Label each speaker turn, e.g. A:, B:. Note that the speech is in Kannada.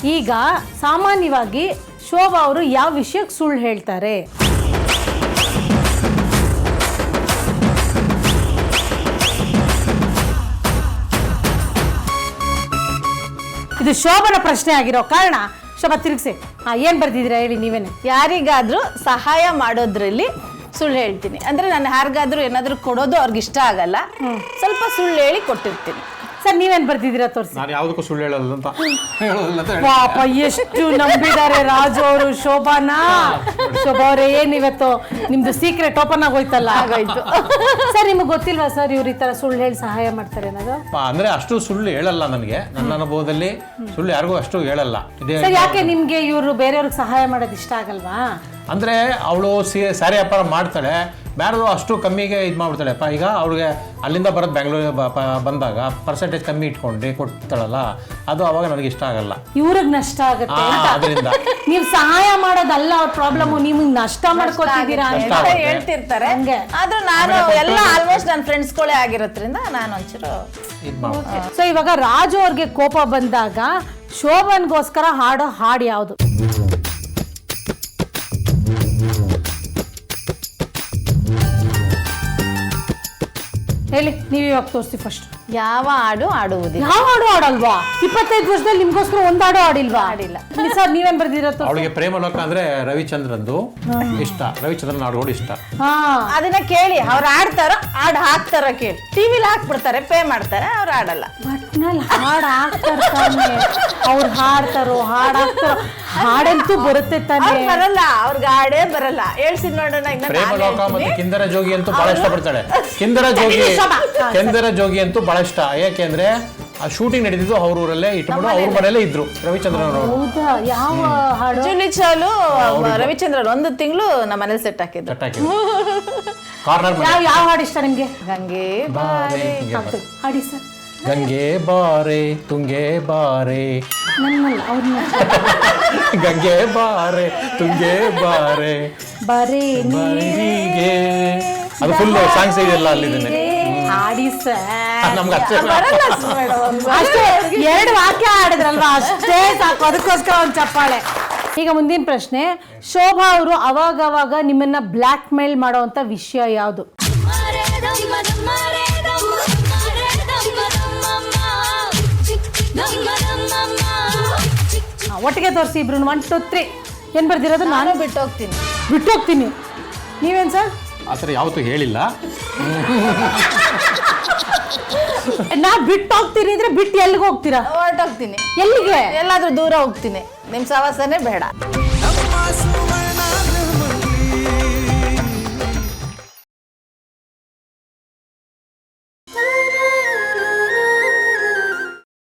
A: ಈಗ ಸಾಮಾನ್ಯವಾಗಿ ಶೋಭಾ ಅವರು ಯಾವ ವಿಷಯಕ್ಕೆ ಸುಳ್ಳು ಹೇಳ್ತಾರೆ? ಇದು ಶೋಭನ ಪ್ರಶ್ನೆ ಆಗಿರೋ ಕಾರಣ ಶೋಭಾ ತಿರುಗಿಸಿ. ಏನು ಬರ್ದಿದ್ದೀರಾ ಹೇಳಿ ನೀವೇನೆ.
B: ಯಾರಿಗಾದ್ರೂ ಸಹಾಯ ಮಾಡೋದ್ರಲ್ಲಿ ಸುಳ್ಳು ಹೇಳ್ತೀನಿ. ಅಂದ್ರೆ ನಾನು ಯಾರಿಗಾದ್ರೂ ಏನಾದ್ರೂ ಕೊಡೋದು ಅವ್ರಿಗೆ ಇಷ್ಟ ಆಗಲ್ಲ, ಸ್ವಲ್ಪ ಸುಳ್ಳು ಹೇಳಿ ಕೊಟ್ಟಿರ್ತೀನಿ.
A: ಸರ್ ನೀವೇನು ಬರ್ದಿದ್ದೀರಾ ತೋರಿಸಿ.
C: ನಾನು ಯಾವುದಕ್ಕೂ ಸುಳ್ಳು ಹೇಳಲ್ಲ ಅಂತ
A: ಪಾಪ ಎಷ್ಟು ನಂಬಿದ್ದಾರೆ ರಾಜು ಅವರು ಶೋಭಾನ. ಶೋಭಾ ಅವರೇ ಏನಿವತ್ತು ನಿಮ್ದು ಸೀಕ್ರೆಟ್ ಓಪನ್ ಆಗೋಯ್ತಲ್ಲ.
B: ಆಗೋಯ್ತು.
A: ಸರ್ ನಿಮಗೆ ಗೊತ್ತಿಲ್ವಾ ಸರ್ ಇವ್ರು ಈ ತರ ಸುಳ್ಳು ಹೇಳಿ ಸಹಾಯ ಮಾಡ್ತಾರೆ ಅನ್ನೋದು?
C: ಅಂದ್ರೆ ಅಷ್ಟು ಸುಳ್ಳು ಹೇಳಲ್ಲ ನನಗೆ, ನನ್ನ ಅನುಭವದಲ್ಲಿ ಸುಳ್ಳು ಯಾರಿಗೂ ಅಷ್ಟು ಹೇಳಲ್ಲ.
A: ಸರ್ ಯಾಕೆ ನಿಮ್ಗೆ ಇವರು ಬೇರೆಯವ್ರಿಗೆ ಸಹಾಯ ಮಾಡೋದು ಇಷ್ಟ ಆಗಲ್ವಾ?
C: ಅಂದ್ರೆ ಅವಳು ಸ್ಯಾರಿ ವ್ಯಾಪಾರ ಮಾಡ್ತಾಳೆ, ಬೇರೆದು ಅಷ್ಟು ಕಮ್ಮಿಗೆ ಇದು ಮಾಡ್ಬಿಡ್ತಾಳೆಪ್ಪ. ಈಗ ಅವ್ಳಿಗೆ ಅಲ್ಲಿಂದ ಬರೋದು ಬೆಂಗಳೂರಿಗೆ ಬಂದಾಗ ಪರ್ಸೆಂಟೇಜ್ ಕಮ್ಮಿ ಇಟ್ಕೊಂಡು ಕೊಡ್ತಾಳಲ್ಲ, ಅದು ಅವಾಗ ನನಗೆ ಇಷ್ಟ ಆಗಲ್ಲ.
A: ಇವ್ರಿಗೆ ನಷ್ಟ ಆಗುತ್ತೆ
C: ಅದರಿಂದ
A: ನೀವು ಸಹಾಯ ಮಾಡೋದಲ್ಲ ಅವ್ರ ಪ್ರಾಬ್ಲಮ್, ನಿಮ್ಗೆ ನಷ್ಟ ಮಾಡ್ಕೊತಿದ್ದೀರಾ
B: ಅಂತ ಹೇಳ್ತಿರ್ತಾರೆ. ಆದ್ರೂ ನಾನು ಎಲ್ಲ ಆಲ್ಮೋಸ್ಟ್ ನನ್ನ ಫ್ರೆಂಡ್ಸ್ಗಳೇ ಆಗಿರೋದ್ರಿಂದ ನಾನು ಒಂಚೂರು
C: ಇದು ಮಾಡ್ತೀನಿ.
A: ಸೊ ಇವಾಗ ರಾಜು ಅವ್ರಿಗೆ ಕೋಪ ಬಂದಾಗ ಶೋಭನ್ಗೋಸ್ಕರ ಹಾಡೋ ಹಾಡು ಯಾವುದು? ಹೇಳಿ, ನೀವು ಇವಾಗ ತೋರಿಸಿ ಫಸ್ಟ್.
B: ಯಾವ ಹಾಡು ಆಡುವುದಿಲ್ಲ.
A: ಯಾವ ಹಾಡು ಆಡಲ್ವಾ? 25 ವರ್ಷದಲ್ಲಿ ನಿಮ್ಗೋಸ್ಕರ ಒಂದ್ ಹಾಡು ಆಡಿಲ್ವಾ?
B: ಆಡಿಲ್ಲ.
A: ಸರ್ ನೀವೇನ್ ಬರ್ದಿರತ್ತ?
C: ಅವಳಿಗೆ ಪ್ರೇಮಲೋಕ ಅಂದ್ರೆ ರವಿಚಂದ್ರಂದು ಇಷ್ಟ, ರವಿಚಂದ್ರನ್ ಹಾಡುಗಳು ಇಷ್ಟ.
B: ಅದನ್ನ ಕೇಳಿ ಅವ್ರು ಆಡ್ತಾರೋ ಹಾಡು ಹಾಕ್ತಾರೋ ಕೇಳಿ. ಟಿವಿಲಿ ಹಾಕ್ಬಿಡ್ತಾರೆ, ಪೇ ಮಾಡ್ತಾರೆ, ಅವ್ರು ಆಡಲ್ಲ.
A: ಒಟ್ನಲ್ಲಿ ಹಾಡು ಹಾಕ್ತಾರೆ, ಅವ್ರು ಹಾಡ್ತಾರೋ ಹಾಡು ಹಾಕ್ತಾರೋ, ಹಾಡಂತೂ ಬರುತ್ತೆ ತಾನೆ.
B: ಬರಲ್ಲ, ಅವ್ರಿಗೆ ಹಾಡೇ ಬರಲ್ಲ. ಹೇಳ್ಸಿದ್ ನೋಡೋಣ.
C: ಪ್ರೇಮಲೋಕ ಮತ್ತೆ ಕಿಂದರ ಜೋಗಿ ಅಂತೂ ಬಹಳ ಇಷ್ಟಪಡ್ತಾಳೆ. ಕಿಂದರ ಜೋಗಿ ಅಂತೂ ಬಹಳ ಇಷ್ಟ. ಯಾಕೆಂದ್ರೆ ಆ ಶೂಟಿಂಗ್ ನಡೀತಿದ್ದು ಅವ್ರ ಊರಲ್ಲೇ ಇಟ್ಕೊಂಡು ಅವ್ರ ಮನೆಯಲ್ಲೇ ಇದ್ರು ರವಿಚಂದ್ರನ್ ಅವರು.
A: ಹೌದಾ? ಯಾವ ಹಾಡು?
B: ಜೂಲಿ ಚಾಲು ರವಿಚಂದ್ರನ್ 1 ತಿಂಗಳು ನಮ್ಮ ಮನೇಲಿ ಸೆಟ್ ಹಾಕಿದ್ರು.
C: ಕಾರ್ನರ್
A: ಯಾವ ಹಾಡು ಇಷ್ಟ ನಿಮ್ಗೆ?
B: ಗಂಗೆ
C: ಬಾರೆ
A: ಹಾಡಿ ಸರ್.
C: ಗಂಗೆ ಬಾರೆ ತುಂಗೆ ಬಾರೆ,
A: ನನ್ನಲ್ಲ ಅವ್ರನ್ನ.
C: ಗಂಗೆ ಬಾರೆ ತುಂಗೆ ಬಾರೆ
A: ಬರೀ
C: ಬರೀಗೆ, ಅದು ಫುಲ್ ಸಾಂಗ್ಸ್ ಇದೆಯಲ್ಲ ಅಲ್ಲಿದ್ದೇನೆ.
A: ಹಾಡಿ ಸರ್.
C: ನಮ್ಗೆ ಅಷ್ಟೇ
A: ಅಷ್ಟೇ 2 ವಾಕ್ಯ ಆಡಿದ್ರಲ್ವಾ, ಅಷ್ಟೇ ಸಾಕು, ಅದಕ್ಕೋಸ್ಕರ ಒಂದು ಚಪ್ಪಾಳೆ. ಈಗ ಮುಂದಿನ ಪ್ರಶ್ನೆ, ಶೋಭಾ ಅವರು ಅವಾಗವಾಗ ನಿಮ್ಮನ್ನ ಬ್ಲ್ಯಾಕ್ ಮೇಲ್ ಮಾಡೋವಂಥ ವಿಷಯ ಯಾವುದು? ಒಟ್ಟಿಗೆ ತೋರಿಸಿ ಇಬ್ರು. 1 2 3 ಏನು ಬರ್ದಿರೋದು?
B: ನಾನು
A: ಬಿಟ್ಟೋಗ್ತೀನಿ. ನೀವೇನು ಸರ್?
C: ಆ ಥರ ಯಾವತ್ತೂ ಹೇಳಿಲ್ಲ.
A: ನಾ ಬಿಟ್ಟೋಗ್ತೀನಿ ಅಂದ್ರೆ ಬಿಟ್ಟು ಎಲ್ಲಿಗೆ ಹೋಗ್ತೀರಾ?
B: ಹೊರಟೋಗ್ತೀನಿ.
A: ಎಲ್ಲಿಗೆ?
B: ಎಲ್ಲಾದ್ರೂ ದೂರ ಹೋಗ್ತೀನಿ. ನಿಮ್ ಸವಾಸನೇ ಬೇಡ.